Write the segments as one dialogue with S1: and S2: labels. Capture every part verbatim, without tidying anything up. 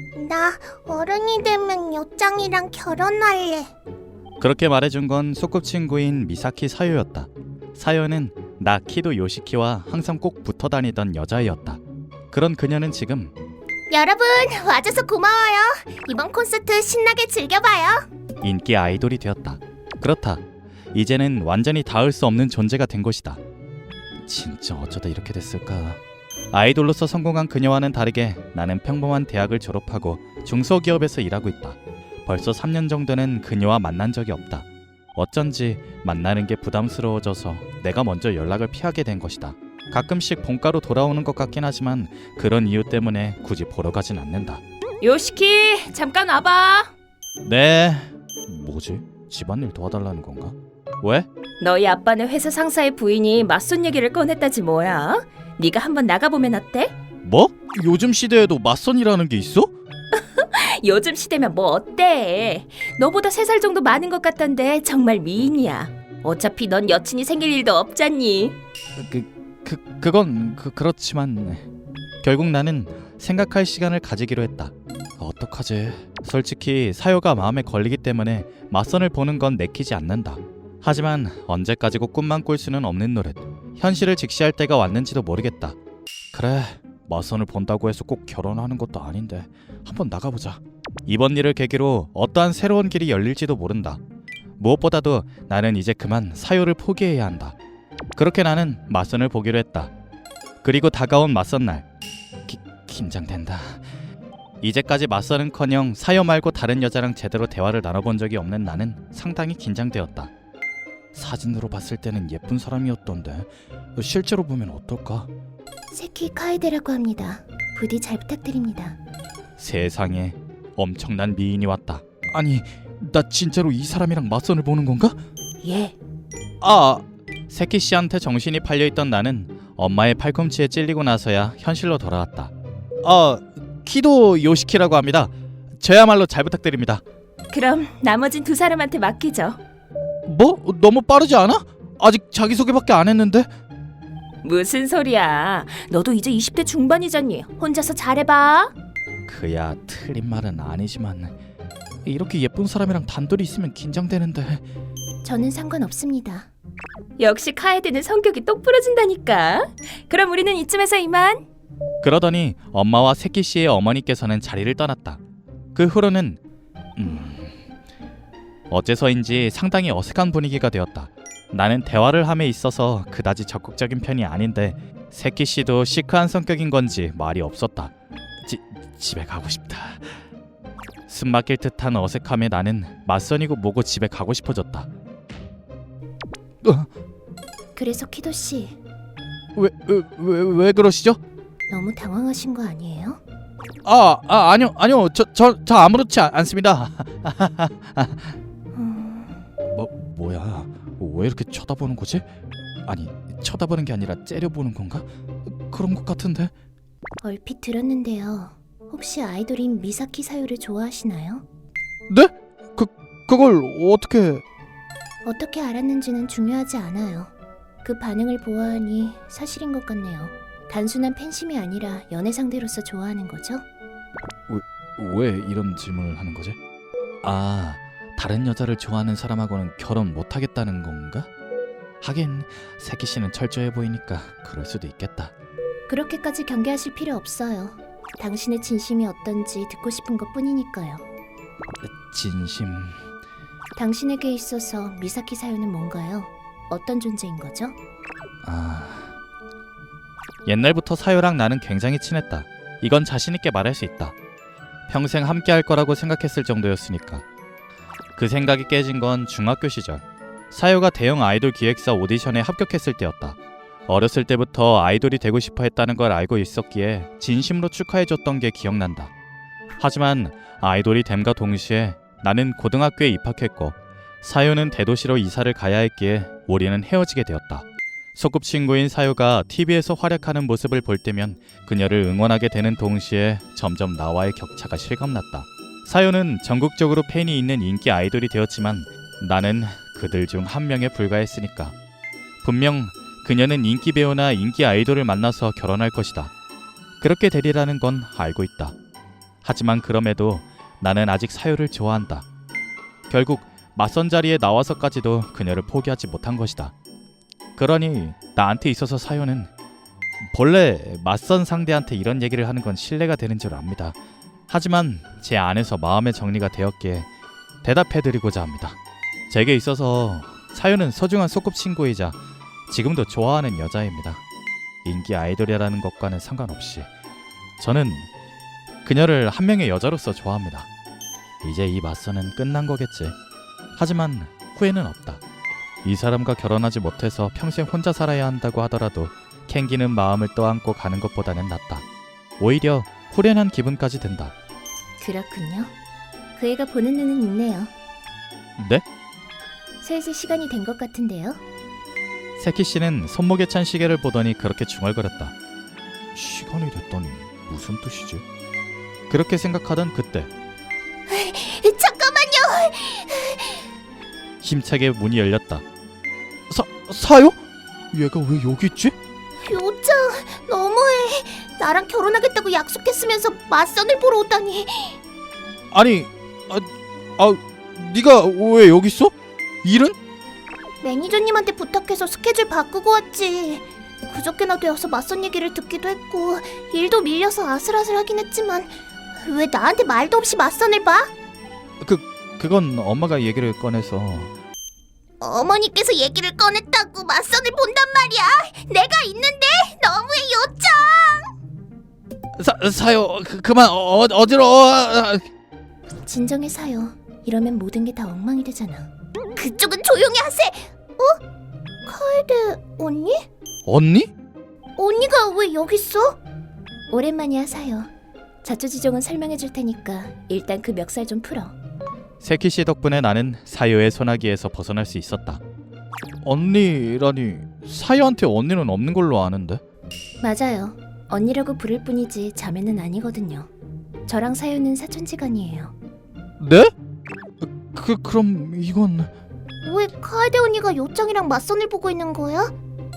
S1: 나 어른이 되면 요짱이랑 결혼할래.
S2: 그렇게 말해준 건 소꿉친구인 미사키 사요였다. 사요는 나 키도 요시키와 항상 꼭 붙어 다니던 여자애였다. 그런 그녀는 지금
S1: 여러분 와줘서 고마워요. 이번 콘서트 신나게 즐겨봐요.
S2: 인기 아이돌이 되었다. 그렇다. 이제는 완전히 닿을 수 없는 존재가 된 것이다. 진짜 어쩌다 이렇게 됐을까. 아이돌로서 성공한 그녀와는 다르게 나는 평범한 대학을 졸업하고 중소기업에서 일하고 있다. 벌써 삼 년 정도는 그녀와 만난 적이 없다. 어쩐지 만나는 게 부담스러워져서 내가 먼저 연락을 피하게 된 것이다. 가끔씩 본가로 돌아오는 것 같긴 하지만 그런 이유 때문에 굳이 보러 가진 않는다.
S3: 요시키, 잠깐 와봐.
S2: 네. 뭐지? 집안일 도와달라는 건가? 왜?
S3: 너희 아빠는 회사 상사의 부인이 맞선 얘기를 꺼냈다지 뭐야. 네가 한번 나가보면 어때?
S2: 뭐? 요즘 시대에도 맞선이라는 게 있어?
S3: 요즘 시대면 뭐 어때? 너보다 세 살 정도 많은 것 같던데 정말 미인이야. 어차피 넌 여친이 생길 일도 없잖니.
S2: 그, 그, 그건 그, 그렇지만 결국 나는 생각할 시간을 가지기로 했다. 어떡하지? 솔직히 사요가 마음에 걸리기 때문에 맞선을 보는 건 내키지 않는다. 하지만 언제까지고 꿈만 꿀 수는 없는 노릇. 현실을 직시할 때가 왔는지도 모르겠다. 그래, 맞선을 본다고 해서 꼭 결혼하는 것도 아닌데 한번 나가보자. 이번 일을 계기로 어떠한 새로운 길이 열릴지도 모른다. 무엇보다도 나는 이제 그만 사요를 포기해야 한다. 그렇게 나는 맞선을 보기로 했다. 그리고 다가온 맞선 날. 기, 긴장된다. 이제까지 맞선은커녕 사요 말고 다른 여자랑 제대로 대화를 나눠본 적이 없는 나는 상당히 긴장되었다. 사진으로 봤을 때는 예쁜 사람이었던데 실제로 보면 어떨까?
S1: 세키 카에데라고 합니다. 부디 잘 부탁드립니다.
S2: 세상에 엄청난 미인이 왔다. 아니, 나 진짜로 이 사람이랑 맞선을 보는 건가?
S3: 예.
S2: 아, 세키 씨한테 정신이 팔려있던 나는 엄마의 팔꿈치에 찔리고 나서야 현실로 돌아왔다. 아, 키도 요시키라고 합니다. 저야말로 잘 부탁드립니다.
S3: 그럼 나머진 두 사람한테 맡기죠.
S2: 뭐? 너무 빠르지 않아? 아직 자기소개밖에 안 했는데?
S3: 무슨 소리야. 너도 이제 이십 대 중반이잖니. 혼자서 잘해봐.
S2: 그야 틀린 말은 아니지만 이렇게 예쁜 사람이랑 단둘이 있으면 긴장되는데.
S1: 저는 상관없습니다.
S3: 역시 카에드는 성격이 똑 부러진다니까. 그럼 우리는 이쯤에서 이만.
S2: 그러더니 엄마와 세키 씨의 어머니께서는 자리를 떠났다. 그 후로는 음... 어째서인지 상당히 어색한 분위기가 되었다. 나는 대화를 함에 있어서 그다지 적극적인 편이 아닌데 세키 씨도 시크한 성격인 건지 말이 없었다. 지, 집에 가고 싶다. 숨막힐 듯한 어색함에 나는 맞선이고 뭐고 집에 가고 싶어졌다. 어?
S1: 그래서 키도 씨
S2: 왜, 왜, 왜, 왜 그러시죠?
S1: 너무 당황하신 거 아니에요?
S2: 아, 아 아니요 아니요 저, 저, 저 아무렇지 않습니다.
S1: 음...
S2: 뭐 뭐야? 왜 이렇게 쳐다보는 거지? 아니 쳐다보는 게 아니라 째려보는 건가? 그런 것 같은데.
S1: 얼핏 들었는데요. 혹시 아이돌인 미사키 사요를 좋아하시나요?
S2: 네? 그 그걸 어떻게?
S1: 어떻게 알았는지는 중요하지 않아요. 그 반응을 보아하니 사실인 것 같네요. 단순한 팬심이 아니라 연애 상대로서 좋아하는 거죠?
S2: 왜 이런 질문을 하는 거지? 아, 다른 여자를 좋아하는 사람하고는 결혼 못 하겠다는 건가? 하긴 세키 씨는 철저해 보이니까 그럴 수도 있겠다.
S1: 그렇게까지 경계하실 필요 없어요. 당신의 진심이 어떤지 듣고 싶은 것뿐이니까요.
S2: 진심...
S1: 당신에게 있어서 미사키 사요는 뭔가요? 어떤 존재인 거죠?
S2: 아... 옛날부터 사요랑 나는 굉장히 친했다. 이건 자신 있게 말할 수 있다. 평생 함께 할 거라고 생각했을 정도였으니까. 그 생각이 깨진 건 중학교 시절. 사요가 대형 아이돌 기획사 오디션에 합격했을 때였다. 어렸을 때부터 아이돌이 되고 싶어 했다는 걸 알고 있었기에 진심으로 축하해줬던 게 기억난다. 하지만 아이돌이 됨과 동시에 나는 고등학교에 입학했고 사요는 대도시로 이사를 가야 했기에 우리는 헤어지게 되었다. 소꿉친구인 사요가 티비에서 활약하는 모습을 볼 때면 그녀를 응원하게 되는 동시에 점점 나와의 격차가 실감났다. 사요는 전국적으로 팬이 있는 인기 아이돌이 되었지만 나는 그들 중 한 명에 불과했으니까. 분명 그녀는 인기 배우나 인기 아이돌을 만나서 결혼할 것이다. 그렇게 되리라는 건 알고 있다. 하지만 그럼에도 나는 아직 사유를 좋아한다. 결국 맞선 자리에 나와서까지도 그녀를 포기하지 못한 것이다. 그러니 나한테 있어서 사유는 본래 맞선 상대한테 이런 얘기를 하는 건 신뢰가 되는 줄 압니다. 하지만 제 안에서 마음의 정리가 되었기에 대답해드리고자 합니다. 제게 있어서 사유는 소중한 소꿉친구이자 지금도 좋아하는 여자입니다. 인기 아이돌이라는 것과는 상관없이 저는 그녀를 한 명의 여자로서 좋아합니다. 이제 이 맞선은 끝난 거겠지. 하지만 후회는 없다. 이 사람과 결혼하지 못해서 평생 혼자 살아야 한다고 하더라도 캥기는 마음을 떠안고 가는 것보다는 낫다. 오히려 후련한 기분까지 든다.
S1: 그렇군요. 그 애가 보는 눈은 있네요.
S2: 네?
S1: 슬슬 시간이 된 것 같은데요.
S2: 세키 씨는 손목에 찬 시계를 보더니 그렇게 중얼거렸다. 시간이 됐다니 무슨 뜻이지? 그렇게 생각하던 그때
S1: 잠깐만요.
S2: 힘차게 문이 열렸다. 사, 사요? 얘가 왜 여기 있지?
S1: 요정, 너무해. 나랑 결혼하겠다고 약속했으면서 맞선을 보러 오다니.
S2: 아니, 아, 아 네가 왜 여기 있어? 일은?
S1: 매니저님한테 부탁해서 스케줄 바꾸고 왔지. 그저께나 되어서 맞선 얘기를 듣기도 했고 일도 밀려서 아슬아슬하긴 했지만 왜 나한테 말도 없이 맞선을 봐?
S2: 그, 그건 엄마가 얘기를 꺼내서.
S1: 어머니께서 얘기를 꺼냈다고 맞선을 본단 말이야. 내가 있는데 너무해 요정.
S2: 사, 사요, 그, 그만 어, 어지러워.
S1: 진정해 사요. 이러면 모든 게 다 엉망이 되잖아. 그쪽은 조용히 하세. 어? 카에데 언니?
S2: 언니?
S1: 언니가 왜 여기 있어? 오랜만이야 사요. 자초지종은 설명해 줄 테니까 일단 그 멱살 좀 풀어.
S2: 세키 씨 덕분에 나는 사요의 소나기에서 벗어날 수 있었다. 언니라니, 사요한테 언니는 없는 걸로 아는데.
S1: 맞아요. 언니라고 부를 뿐이지 자매는 아니거든요. 저랑 사요는 사촌지간이에요.
S2: 네? 그 그럼 이건
S1: 왜 카에데 언니가 요정이랑 맞선을 보고 있는 거야?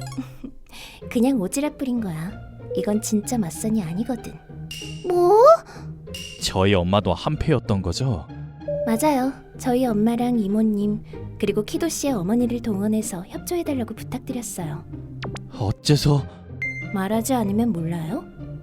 S1: 그냥 오지랖 부린 거야. 이건 진짜 맞선이 아니거든. 뭐?
S2: 저희 엄마도 한패였던 거죠?
S1: 맞아요. 저희 엄마랑 이모님 그리고 키도 씨의 어머니를 동원해서 협조해달라고 부탁드렸어요.
S2: 어째서?
S1: 말하지 않으면 몰라요?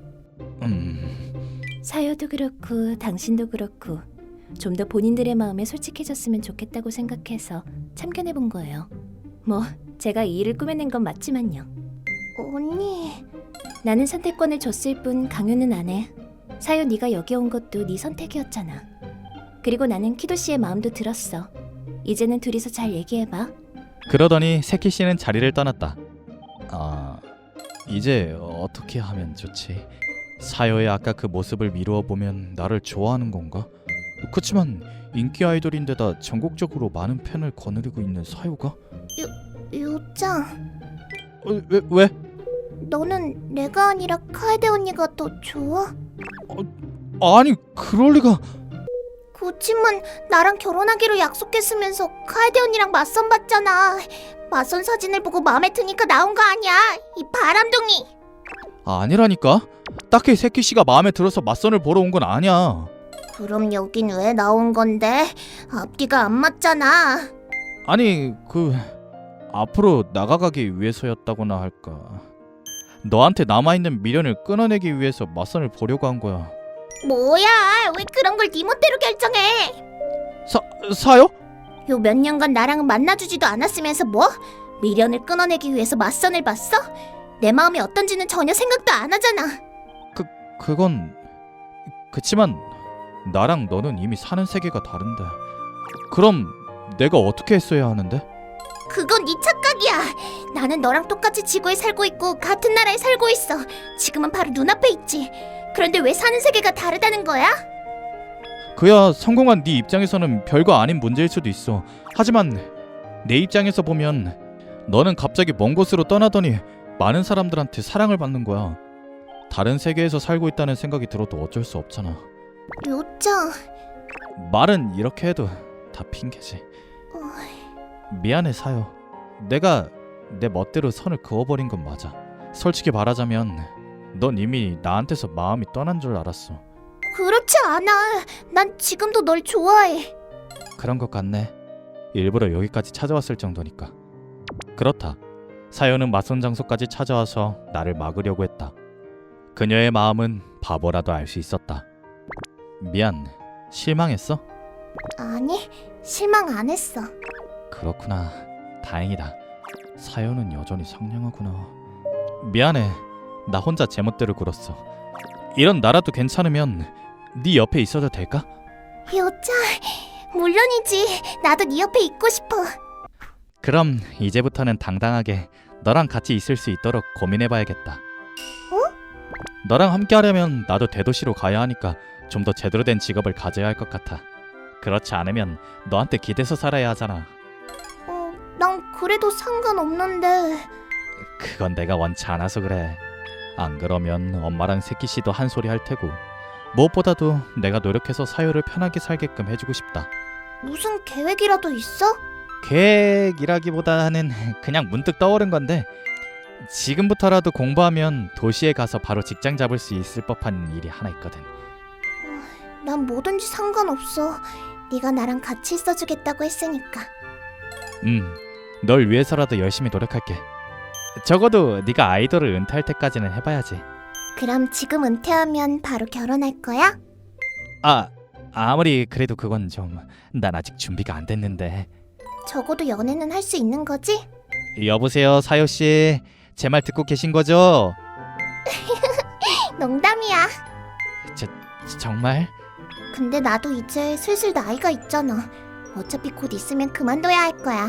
S2: 음...
S1: 사요도 그렇고 당신도 그렇고 좀 더 본인들의 마음에 솔직해졌으면 좋겠다고 생각해서 참견해본 거예요. 뭐 제가 이 일을 꾸며낸 건 맞지만요. 언니... 나는 선택권을 줬을 뿐 강요는 안 해. 사요 네가 여기 온 것도 네 선택이었잖아. 그리고 나는 키도 씨의 마음도 들었어. 이제는 둘이서 잘 얘기해봐.
S2: 그러더니 세키 씨는 자리를 떠났다. 아... 이제 어떻게 하면 좋지? 사요의 아까 그 모습을 미루어 보면 나를 좋아하는 건가? 그치만 인기 아이돌인데다 전국적으로 많은 팬을 거느리고 있는 사요가? 요짱... 어, 왜? 왜?
S1: 너는 내가 아니라 카에데 언니가 더 좋아?
S2: 어, 아니 그럴 리가...
S1: 그치만 나랑 결혼하기로 약속했으면서 카에데 언니랑 맞선 봤잖아. 맞선 사진을 보고 마음에 드니까 나온 거 아니야, 이 바람둥이.
S2: 아니라니까? 딱히 세키 씨가 마음에 들어서 맞선을 보러 온 건 아니야.
S1: 그럼 여긴 왜 나온 건데? 앞뒤가 안 맞잖아.
S2: 아니 그... 앞으로 나가가기 위해서였다고나 할까. 너한테 남아있는 미련을 끊어내기 위해서 맞선을 보려고 한 거야.
S1: 뭐야, 왜 그런 걸 네 멋대로 결정해?
S2: 사... 사요?
S1: 요 몇 년간 나랑은 만나주지도 않았으면서 뭐? 미련을 끊어내기 위해서 맞선을 봤어? 내 마음이 어떤지는 전혀 생각도 안 하잖아.
S2: 그... 그건... 그치만 나랑 너는 이미 사는 세계가 다른데 그럼 내가 어떻게 했어야 하는데?
S1: 그건 네 착각이야. 나는 너랑 똑같이 지구에 살고 있고 같은 나라에 살고 있어. 지금은 바로 눈앞에 있지. 그런데 왜 사는 세계가 다르다는 거야?
S2: 그야 성공한 네 입장에서는 별거 아닌 문제일 수도 있어. 하지만 내 입장에서 보면 너는 갑자기 먼 곳으로 떠나더니 많은 사람들한테 사랑을 받는 거야. 다른 세계에서 살고 있다는 생각이 들어도 어쩔 수 없잖아.
S1: 요짱...
S2: 말은 이렇게 해도 다 핑계지.
S1: 어...
S2: 미안해 사요. 내가 내 멋대로 선을 그어버린 건 맞아. 솔직히 말하자면 넌 이미 나한테서 마음이 떠난 줄 알았어.
S1: 그렇지 않아. 난 지금도 널 좋아해.
S2: 그런 것 같네. 일부러 여기까지 찾아왔을 정도니까. 그렇다. 사연은 맞선 장소까지 찾아와서 나를 막으려고 했다. 그녀의 마음은 바보라도 알 수 있었다. 미안. 실망했어?
S1: 아니, 실망 안 했어.
S2: 그렇구나. 다행이다. 사연은 여전히 상냥하구나. 미안해. 나 혼자 제멋대로 굴었어. 이런 나라도 괜찮으면 네 옆에 있어도 될까?
S1: 여자, 물론이지. 나도 네 옆에 있고 싶어.
S2: 그럼 이제부터는 당당하게 너랑 같이 있을 수 있도록 고민해봐야겠다.
S1: 어?
S2: 너랑 함께 하려면 나도 대도시로 가야 하니까 좀 더 제대로 된 직업을 가져야 할 것 같아. 그렇지 않으면 너한테 기대서 살아야 하잖아.
S1: 어, 난 그래도 상관없는데.
S2: 그건 내가 원치 않아서 그래. 안 그러면 엄마랑 세키 씨도 한 소리 할 테고. 무엇보다도 내가 노력해서 사유를 편하게 살게끔 해주고 싶다.
S1: 무슨 계획이라도 있어?
S2: 계획이라기보다는 그냥 문득 떠오른 건데, 지금부터라도 공부하면 도시에 가서 바로 직장 잡을 수 있을 법한 일이 하나 있거든.
S1: 난 뭐든지 상관없어. 네가 나랑 같이 있어주겠다고 했으니까.
S2: 음, 널 위해서라도 열심히 노력할게. 적어도 네가 아이돌을 은퇴할 때까지는 해봐야지.
S1: 그럼 지금 은퇴하면 바로 결혼할 거야?
S2: 아, 아무리 그래도 그건 좀... 난 아직 준비가 안 됐는데.
S1: 적어도 연애는 할 수 있는 거지?
S2: 여보세요, 사요씨. 제 말 듣고 계신 거죠?
S1: 농담이야.
S2: 저, 정말?
S1: 근데 나도 이제 슬슬 나이가 있잖아. 어차피 곧 있으면 그만둬야 할 거야.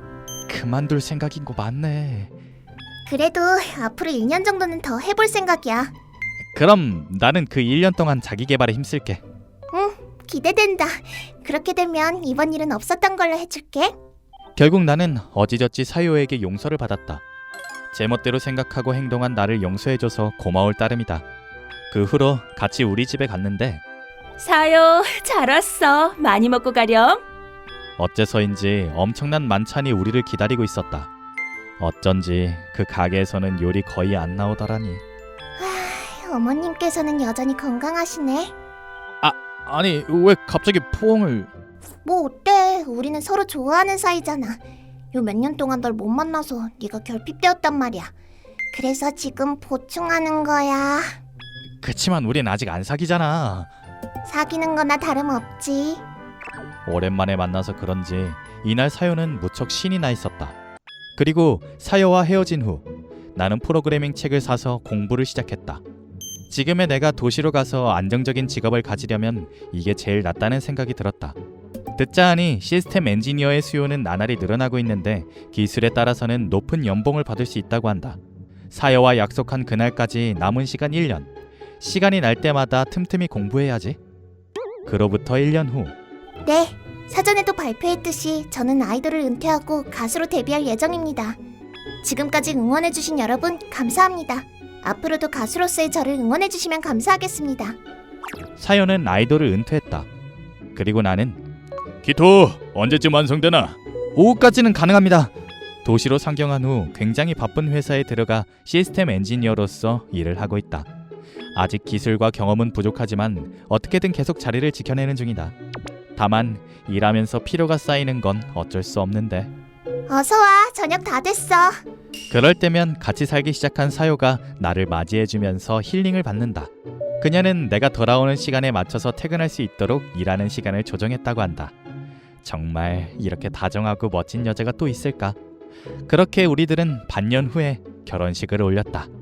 S2: 그만둘 생각인 거 맞네.
S1: 그래도 앞으로 일 년 정도는 더 해볼 생각이야.
S2: 그럼 나는 그 일 년 동안 자기 개발에 힘쓸게.
S1: 응, 기대된다. 그렇게 되면 이번 일은 없었던 걸로 해줄게.
S2: 결국 나는 어지저지 사요에게 용서를 받았다. 제멋대로 생각하고 행동한 나를 용서해줘서 고마울 따름이다. 그 후로 같이 우리 집에 갔는데
S3: 사요, 잘 왔어. 많이 먹고 가렴.
S2: 어째서인지 엄청난 만찬이 우리를 기다리고 있었다. 어쩐지 그 가게에서는 요리 거의 안 나오더라니.
S1: 하, 어머님께서는 여전히 건강하시네.
S2: 아니, 왜 갑자기 포옹을...
S1: 뭐 어때? 우리는 서로 좋아하는 사이잖아. 요 몇 년 동안 널 못 만나서 네가 결핍되었단 말이야. 그래서 지금 보충하는 거야.
S2: 그치만 우린 아직 안 사귀잖아.
S1: 사귀는 거나 다름없지.
S2: 오랜만에 만나서 그런지 이날 사요는 무척 신이 나 있었다. 그리고 사요와 헤어진 후 나는 프로그래밍 책을 사서 공부를 시작했다. 지금의 내가 도시로 가서 안정적인 직업을 가지려면 이게 제일 낫다는 생각이 들었다. 듣자 하니 시스템 엔지니어의 수요는 나날이 늘어나고 있는데 기술에 따라서는 높은 연봉을 받을 수 있다고 한다. 사여와 약속한 그날까지 남은 시간 일 년. 시간이 날 때마다 틈틈이 공부해야지. 그로부터 일 년 후.
S1: 네, 사전에도 발표했듯이 저는 아이돌을 은퇴하고 가수로 데뷔할 예정입니다. 지금까지 응원해주신 여러분 감사합니다. 앞으로도 가수로서의 저를 응원해주시면 감사하겠습니다.
S2: 사연은 아이돌을 은퇴했다. 그리고 나는 기토 언제쯤 완성되나? 오후까지는 가능합니다. 도시로 상경한 후 굉장히 바쁜 회사에 들어가 시스템 엔지니어로서 일을 하고 있다. 아직 기술과 경험은 부족하지만 어떻게든 계속 자리를 지켜내는 중이다. 다만 일하면서 피로가 쌓이는 건 어쩔 수 없는데.
S1: 어서와, 저녁 다 됐어.
S2: 그럴 때면 같이 살기 시작한 사요가 나를 맞이해주면서 힐링을 받는다. 그녀는 내가 돌아오는 시간에 맞춰서 퇴근할 수 있도록 일하는 시간을 조정했다고 한다. 정말 이렇게 다정하고 멋진 여자가 또 있을까? 그렇게 우리들은 반년 후에 결혼식을 올렸다.